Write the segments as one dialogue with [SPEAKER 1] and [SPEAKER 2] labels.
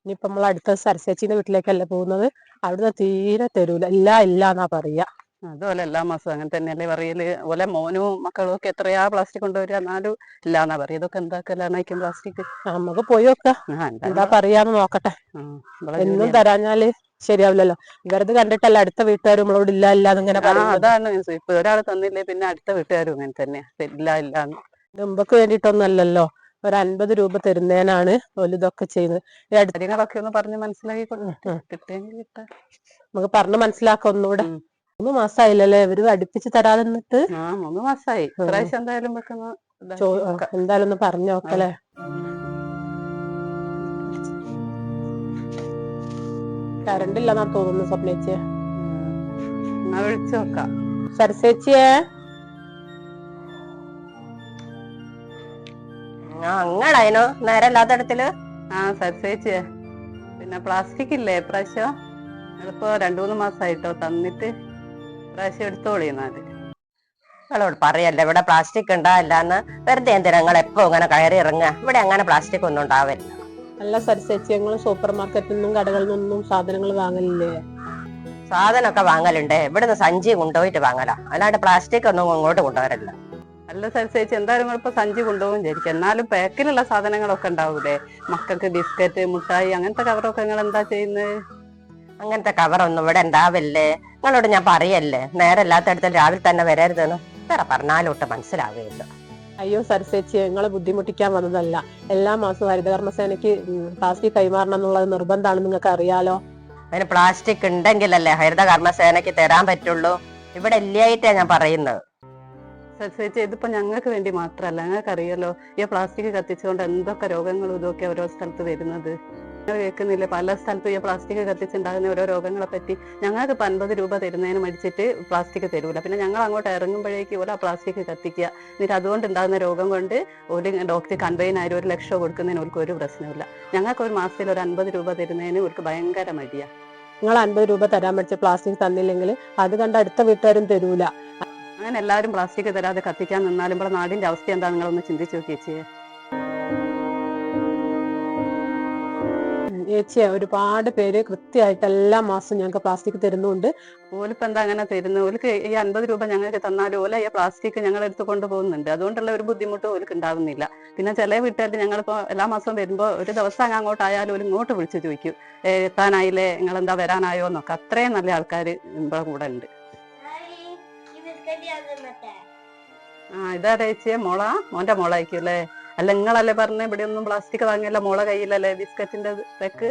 [SPEAKER 1] ഇനിയിപ്പൊ നമ്മൾ അടുത്ത സരസ്വച്ചിന്റെ വീട്ടിലേക്കല്ലേ പോകുന്നത്. അവിടുന്ന് തീരെ തരൂല, ഇല്ല എന്നാ പറയാ.
[SPEAKER 2] അതുപോലെ എല്ലാ മാസവും അങ്ങനെ തന്നെയല്ലേ പറയല്. ഓലെ മോനും മക്കളും ഒക്കെ എത്രയാ പ്ലാസ്റ്റിക് കൊണ്ടുവരിക, എന്നാലും ഇല്ലാന്നാ പറയാ. ഇതൊക്കെ എന്താക്കലാണായിരിക്കും പ്ലാസ്റ്റിക്.
[SPEAKER 1] നമുക്ക് പോയി നോക്കാം എന്താ പറയാന്ന് നോക്കട്ടെ. എന്നും തരാഞ്ഞാല് ശരിയാവില്ലല്ലോ. വെറുതെ കണ്ടിട്ടല്ല അടുത്ത വീട്ടുകാർ നമ്മളോട് ഇല്ല എന്നിങ്ങനെ പറയുന്നത്.
[SPEAKER 2] അതാണ് ഇപ്പൊ ഒരാൾ തന്നില്ലേ പിന്നെ അടുത്ത വീട്ടുകാരും അങ്ങനെ തന്നെയാ, ഇല്ലാന്ന്.
[SPEAKER 1] മുമ്പക്ക് വേണ്ടിയിട്ടൊന്നും അല്ലല്ലോ, ഒരു 50 രൂപ തരുന്നതിനാണ് ഇതൊക്കെ ചെയ്യുന്നത്.
[SPEAKER 2] കാര്യങ്ങളൊക്കെ ഒന്ന് പറഞ്ഞ് മനസ്സിലാക്കി കിട്ടിയെങ്കിൽ
[SPEAKER 1] നമുക്ക് പറഞ്ഞ് മനസ്സിലാക്കാം ഒന്നുകൂടെ. 3 മാസമായില്ലല്ലേ ഇവര് അടുപ്പിച്ച് തരാതെ നിന്നിട്ട്.
[SPEAKER 2] 3 മാസമായി. ഇപ്രാവശ്യം എന്തായാലും
[SPEAKER 1] എന്തായാലും ഒന്ന് പറഞ്ഞു നോക്കല്ലേ. കറണ്ട് ഇല്ലെന്നാ തോന്നുന്നു സ്വപ്നേച്ചിയെ.
[SPEAKER 2] വിളിച്ചു നോക്കാം.
[SPEAKER 1] സരസേച്ചിയെ,
[SPEAKER 3] അങ്ങടായിനോ നേരല്ലാത്തടത്തില്.
[SPEAKER 2] സരസേച്ചിയെ, പിന്നെ പ്ലാസ്റ്റിക് ഇല്ലേ ഇപ്രാവശ്യം? അതിപ്പോ 2-3 മാസമായിട്ടോ തന്നിട്ട്, ഇപ്രാവശ്യം എടുത്തോളിന്നാല്.
[SPEAKER 3] നിങ്ങളോട് പറയല്ലേ ഇവിടെ പ്ലാസ്റ്റിക് ഉണ്ടാവില്ലാന്ന്. വെറുതെ എന്തിനാ നിങ്ങൾ എപ്പോ ഇങ്ങനെ കയറി ഇറങ്ങുക? ഇവിടെ അങ്ങനെ പ്ലാസ്റ്റിക് ഒന്നും ഉണ്ടാവില്ല.
[SPEAKER 1] അല്ല സരസേച്ചി, ഞങ്ങൾ സൂപ്പർ മാർക്കറ്റിൽ നിന്നും കടകളിൽ നിന്നും സാധനങ്ങൾ വാങ്ങലില്ലേ?
[SPEAKER 3] സാധനമൊക്കെ വാങ്ങലുണ്ട്. ഇവിടുന്ന് സഞ്ചി കൊണ്ടുപോയിട്ട് വാങ്ങലാ, അല്ലാണ്ട് പ്ലാസ്റ്റിക് ഒന്നും ഇങ്ങോട്ട് കൊണ്ടുവരല്ല.
[SPEAKER 2] അല്ല സരസേച്ചി, എന്തായാലും ഇപ്പൊ സഞ്ചി കൊണ്ടുപോകും വിചാരിക്കും. എന്നാലും പാക്കിലുള്ള സാധനങ്ങളൊക്കെ ഉണ്ടാവൂലേ, മക്കൾക്ക് ബിസ്ക്കറ്റ്, മുട്ടായി, അങ്ങനത്തെ കവറൊക്കെ നിങ്ങൾ എന്താ ചെയ്യുന്നത്?
[SPEAKER 3] അങ്ങനത്തെ കവറൊന്നും ഇവിടെ ഉണ്ടാവില്ലേ? നിങ്ങളോട് ഞാൻ പറയല്ലേ നേരല്ലാത്തടത്തിൽ രാവിലെ തന്നെ വരരുതെന്ന്. വേറെ പറഞ്ഞാലോട്ട് മനസ്സിലാവുകയില്ല.
[SPEAKER 1] അയ്യോ സരസേച്ചി, ഞങ്ങളെ ബുദ്ധിമുട്ടിക്കാൻ വന്നതല്ല. എല്ലാ മാസവും ഹരിതകർമ്മസേനയ്ക്ക് പ്ലാസ്റ്റിക് കൈമാറണം എന്നുള്ളത് നിർബന്ധമാണ്, നിങ്ങൾക്ക് അറിയാലോ.
[SPEAKER 3] അതിന് പ്ലാസ്റ്റിക് ഉണ്ടെങ്കിലല്ലേ ഹരിതകർമ്മസേനയ്ക്ക് തരാൻ പറ്റുള്ളൂ. ഇവിടെ ഇല്ലായിട്ടാ ഞാൻ പറയുന്നത്.
[SPEAKER 2] സരസേച്ചി, ഇതിപ്പോ ഞങ്ങൾക്ക് വേണ്ടി മാത്രല്ല, ഞങ്ങൾക്ക് അറിയാലോ ഈ പ്ലാസ്റ്റിക് കത്തിച്ചുകൊണ്ട് എന്തൊക്കെ രോഗങ്ങളും ഇതൊക്കെ ഓരോ സ്ഥലത്ത് വരുന്നത്. ഞങ്ങൾ കേൾക്കുന്നില്ലേ പല സ്ഥലത്തും ഈ പ്ലാസ്റ്റിക് കത്തിച്ചുണ്ടാകുന്ന ഓരോ രോഗങ്ങളെ പറ്റി. ഞങ്ങൾക്ക് ഇപ്പൊ 50 രൂപ തരുന്നതിന് മടിച്ചിട്ട് പ്ലാസ്റ്റിക് തരൂല. പിന്നെ ഞങ്ങൾ അങ്ങോട്ട് ഇറങ്ങുമ്പോഴേക്ക് ഓരോ പ്ലാസ്റ്റിക് കത്തിക്കുക. എന്നിട്ട് അതുകൊണ്ട് ഉണ്ടാകുന്ന രോഗം കൊണ്ട് ഒരു ഡോക്ടർ കൺവെയിനായി 1 ലക്ഷം കൊടുക്കുന്നതിന് അവർക്ക് ഒരു പ്രശ്നമില്ല. ഞങ്ങൾക്ക് ഒരു മാസത്തിൽ ഒരു 50 രൂപ തരുന്നതിന് അവർക്ക് ഭയങ്കര മടിയാ.
[SPEAKER 1] നിങ്ങൾ 50 രൂപ തരാൻ പഠിച്ച പ്ലാസ്റ്റിക് തന്നില്ലെങ്കിൽ അത് കണ്ട് അടുത്ത വീട്ടുകാരും തരൂല.
[SPEAKER 2] അങ്ങനെ എല്ലാവരും പ്ലാസ്റ്റിക് തരാതെ കത്തിക്കാൻ നിന്നാലും ഇവിടെ നാടിന്റെ അവസ്ഥ എന്താ നിങ്ങളൊന്ന് ചിന്തിച്ചു നോക്കിയേ.
[SPEAKER 1] ചേച്ചിയെ, ഒരുപാട് പേര് കൃത്യമായിട്ട് എല്ലാ മാസവും ഞങ്ങൾക്ക് പ്ലാസ്റ്റിക് തരുന്നുണ്ട്.
[SPEAKER 2] ഓലിപ്പോ എന്താ അങ്ങനെ തരുന്നത്? ഓലിക്ക് ഈ 50 രൂപ ഞങ്ങൾക്ക് തന്നാലും ഓല ഈ പ്ലാസ്റ്റിക് ഞങ്ങൾ എടുത്ത് കൊണ്ടുപോകുന്നുണ്ട്. അതുകൊണ്ടുള്ള ഒരു ബുദ്ധിമുട്ടും ഓലിക്ക് ഉണ്ടാവുന്നില്ല. പിന്നെ ചില വീട്ടുകാർ ഞങ്ങളിപ്പോ എല്ലാ മാസവും വരുമ്പോ ഒരു ദിവസം അങ്ങോട്ടായാലും ഒരു ഇങ്ങോട്ട് വിളിച്ചു ചോദിക്കും, എത്താനായില്ലേ, നിങ്ങൾ എന്താ വരാനായോ എന്നൊക്കെ. അത്രയും നല്ല ആൾക്കാർ ഇവിടെ കൂടെ ഉണ്ട്. ഇതാ ചേച്ചിയെ മോന്റെ മോളായിരിക്കും അല്ലേ? അല്ല നിങ്ങളല്ലേ പറഞ്ഞ ഇവിടെ ഒന്നും പ്ലാസ്റ്റിക് വാങ്ങിയല്ല, മോളെ കയ്യിലല്ലേ ബിസ്ക്കറ്റിന്റെ പാക്ക്?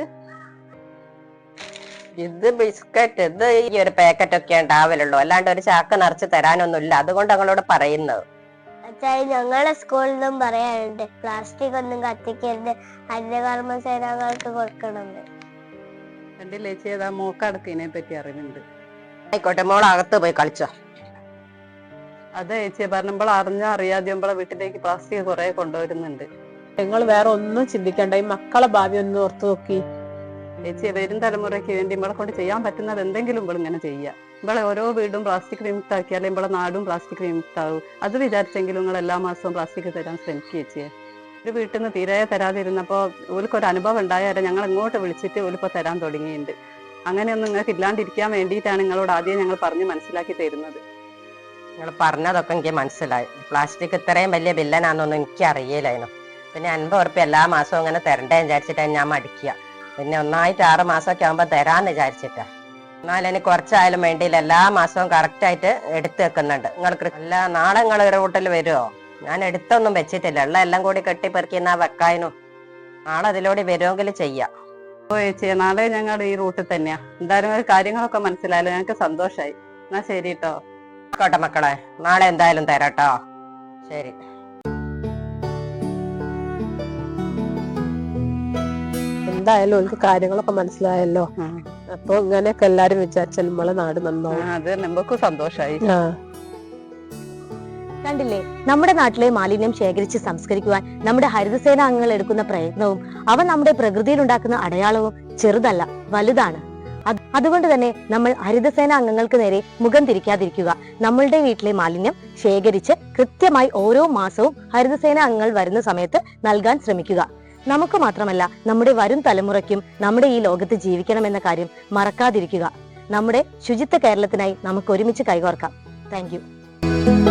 [SPEAKER 3] ഇത് ബിസ്ക്കറ്റ്, ഇത് ഈ ഒരു പാക്കറ്റ് ഒക്കെ ഉണ്ടാവലുള്ളൂ, അല്ലാണ്ട് ഒരു ചാക്ക് നിറച്ച് തരാനൊന്നുമില്ല. അതുകൊണ്ട് ഞങ്ങളോട് പറയുന്നത്.
[SPEAKER 4] ഞങ്ങളെ സ്കൂളിൽ നിന്നും പറയാനുണ്ട് പ്ലാസ്റ്റിക് ഒന്നും കത്തിക്കരുത്, ഹരിതകർമ്മസേനകൾക്ക് കൊടുക്കണമെന്ന്.
[SPEAKER 2] കണ്ടില്ലേ ചേച്ചി, ഏതാ മോക്കടക്കിനെ പറ്റി അറിവുണ്ട്.
[SPEAKER 3] ആയിക്കോട്ടെ, മോൾ അകത്ത് പോയി കളിച്ചോ.
[SPEAKER 2] അതെ ചേച്ചിയെ പറഞ്ഞപ്പോൾ അറിയാതെ നമ്മളെ വീട്ടിലേക്ക് പ്ലാസ്റ്റിക് കുറെ കൊണ്ടുവരുന്നുണ്ട്.
[SPEAKER 1] നിങ്ങൾ വേറെ ഒന്നും ചിന്തിക്കണ്ട, ഈ മക്കളെ ഭാവി ഒന്ന് ഓർത്തു നോക്കി.
[SPEAKER 2] ചേച്ചിയെ, വരും തലമുറയ്ക്ക് വേണ്ടി നമ്മളെ കൊണ്ട് ചെയ്യാൻ പറ്റുന്നത് എന്തെങ്കിലും ഇവിടെ ഇങ്ങനെ ചെയ്യാം. നമ്മളെ ഓരോ വീടും പ്ലാസ്റ്റിക് വിമുക്താക്കിയാലേ നമ്മളെ നാടും പ്ലാസ്റ്റിക് വിമുക്താവും. അത് വിചാരിച്ചെങ്കിലും നിങ്ങൾ എല്ലാ മാസവും പ്ലാസ്റ്റിക് തരാൻ ശ്രമിക്കുക ചേച്ചിയെ. ഒരു വീട്ടിൽ നിന്ന് തീരെ തരാതിരുന്നപ്പോ ഓൽക്കൊരു അനുഭവം ഉണ്ടായാലേ ഞങ്ങൾ ഇങ്ങോട്ട് വിളിച്ചിട്ട് ഓലിപ്പോ തരാൻ തുടങ്ങിയിട്ടുണ്ട്. അങ്ങനെയൊന്നും നിങ്ങൾക്ക് ഇല്ലാണ്ടിരിക്കാൻ വേണ്ടിയിട്ടാണ് നിങ്ങളോട് ആദ്യം ഞങ്ങൾ പറഞ്ഞ് മനസ്സിലാക്കി തരുന്നത്.
[SPEAKER 3] നിങ്ങൾ പറഞ്ഞതൊക്കെ എനിക്ക് മനസ്സിലായി. പ്ലാസ്റ്റിക് ഇത്രയും വലിയ ബില്ലനാന്നൊന്നും എനിക്ക് അറിയില്ലായിരുന്നു. പിന്നെ 50 ഉറുപ്പ്യ എല്ലാ മാസവും ഇങ്ങനെ തരണ്ടേ വിചാരിച്ചിട്ടാണ് ഞാൻ മടിക്കുക. പിന്നെ ഒന്നായിട്ട് 6 മാസമൊക്കെ ആകുമ്പോൾ തരാന്ന് വിചാരിച്ചിട്ടാ. എന്നാലും എനിക്ക് കുറച്ചായാലും വേണ്ടിയില്ല, എല്ലാ മാസവും കറക്റ്റായിട്ട് എടുത്ത് വെക്കുന്നുണ്ട്. നിങ്ങൾക്ക് അല്ല, നാളെ നിങ്ങൾ ഒരു റൂട്ടിൽ വരുമോ? ഞാൻ എടുത്തൊന്നും വെച്ചിട്ടില്ല, ഉള്ള എല്ലാം കൂടി കെട്ടിപ്പെറുക്കി എന്നാ വെക്കാനും. നാളെ അതിലൂടെ വരുമെങ്കിൽ ചെയ്യാം.
[SPEAKER 2] ഓ ചേച്ചിയെ, നാളെ ഞങ്ങൾ ഈ റൂട്ടിൽ തന്നെയാ. എന്തായാലും കാര്യങ്ങളൊക്കെ മനസ്സിലായല്ലോ, ഞങ്ങൾക്ക് സന്തോഷമായി. എന്നാ ശരി കേട്ടോ.
[SPEAKER 3] ആയിക്കോട്ടെ മക്കളെ, നാളെ എന്തായാലും തരാട്ടോ. ശരി.
[SPEAKER 1] എന്തായാലും ഓൾക്ക് കാര്യങ്ങളൊക്കെ മനസ്സിലായല്ലോ. അപ്പൊ ഇങ്ങനെയൊക്കെ എല്ലാരും വിചാരിച്ചാൽ നമ്മളെ നാട് നന്നാവും.
[SPEAKER 2] അത് നമുക്കും സന്തോഷായി.
[SPEAKER 5] കണ്ടില്ലേ, നമ്മുടെ നാട്ടിലെ മാലിന്യം ശേഖരിച്ച് സംസ്കരിക്കുവാൻ നമ്മുടെ ഹരിതസേന അംഗങ്ങൾ എടുക്കുന്ന പ്രയത്നവും അവ നമ്മുടെ പ്രകൃതിയിൽ ഉണ്ടാക്കുന്ന അടയാളവും ചെറുതല്ല, വലുതാണ്. അതുകൊണ്ട് തന്നെ നമ്മൾ ഹരിതസേന അംഗങ്ങൾക്ക് നേരെ മുഖം തിരിക്കാതിരിക്കുക. നമ്മളുടെ വീട്ടിലെ മാലിന്യം ശേഖരിച്ച് കൃത്യമായി ഓരോ മാസവും ഹരിതസേന അംഗങ്ങൾ വരുന്ന സമയത്ത് നൽകാൻ ശ്രമിക്കുക. നമുക്ക് മാത്രമല്ല നമ്മുടെ വരും തലമുറയ്ക്കും നമ്മുടെ ഈ ലോകത്ത് ജീവിക്കണമെന്ന കാര്യം മറക്കാതിരിക്കുക. നമ്മുടെ ശുചിത്വ കേരളത്തിനായി നമുക്ക് ഒരുമിച്ച് കൈകോർക്കാം. Thank you.